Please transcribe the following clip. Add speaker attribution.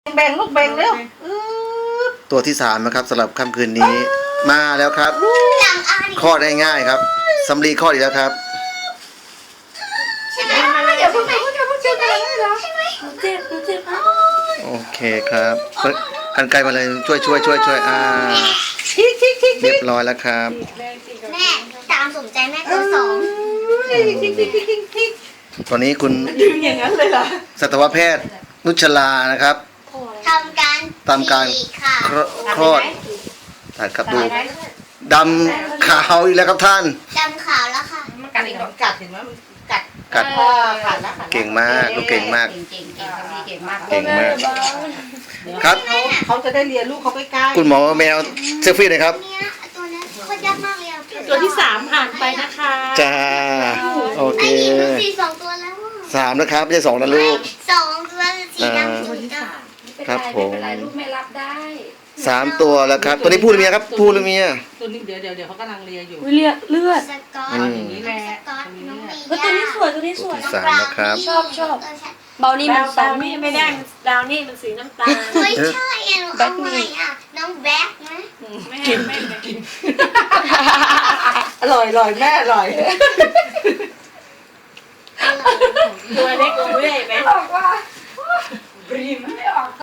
Speaker 1: แบ่งลูกแบ่งเร็ว
Speaker 2: ตัวที่3นะครับสำหรับค่ำคืนนี้มาแล้วครับคลอดได้ง่ายครับสำลีคลอดอีกแล้วครับ
Speaker 1: ใช่ไหมเดี๋ยวพูดเจ็บอะไรเหรอใช่ไหมเจ็บ
Speaker 2: โอเคครับกันไกลมาเลยช่วยเรียบร้อยแล้วครับ
Speaker 3: แม่ตามสมใจแม่ตัวสอง
Speaker 2: ตอนนี้คุณ
Speaker 1: ดึงอย่างนั้นเลยเหรอ
Speaker 2: สัตวแพทย์นุชลานะครับ
Speaker 3: ทำการฉีกค่ะ
Speaker 2: คลอดตัดครับดูดำขาวอีกแล้วครับท่าน
Speaker 3: ดำขาวแล้วค่ะ
Speaker 1: มันกัดอีกกัดเห็นไหมมันกัด
Speaker 2: กัด
Speaker 1: ขาดแล้ว
Speaker 2: เก่งมากลูกเก่งมาก
Speaker 4: เก่งมาก
Speaker 2: เก่งมากครับ
Speaker 1: เขาจะได้เรียนลูกเขาใกล้ๆ
Speaker 2: คุณหมอแมวเซลฟี่หน่อยครับ
Speaker 3: เนี่ยตัวนั้นโคตรยากมากเลยอ่ะ
Speaker 4: ตัวที่3ผ่านไปนะคะ
Speaker 2: จ้าโอเค
Speaker 3: ไอ้หญิงดูสีสองตัวแล้วอ่ะ
Speaker 2: 3นะครับไม่ใช่2นะลูก
Speaker 3: สองตัวสีดำสีดำ
Speaker 2: ครับผม
Speaker 4: ไม่เป็นไรลูกไม่รับได้
Speaker 2: 3ตัวแล้วครับตัวนี้พูดหรือเมียครับพูดหรือเมีย
Speaker 1: ตัวนี้เดี๋ยวเขากำลังเรียนอยู่
Speaker 4: เลือด
Speaker 3: สกอต
Speaker 1: อย่างนี้แหละ
Speaker 3: สกอตน้องมี
Speaker 4: ตัวนี้สวยตัวนี้สวย
Speaker 2: 3นะครับ
Speaker 4: ชอบเบานี่มันดาวนี่ไม่ได้ดาวนี่มันสีน้ำตาล
Speaker 3: ไม่ใช่อ่ะหนูเอาใหม่อ่ะน้องแบ็คนะ
Speaker 4: ไม่
Speaker 1: กินอร่อยแม่อร่อย
Speaker 4: ตัวเล็กตัวใหญ่ไหมบอกว่าบรีมไม่ออก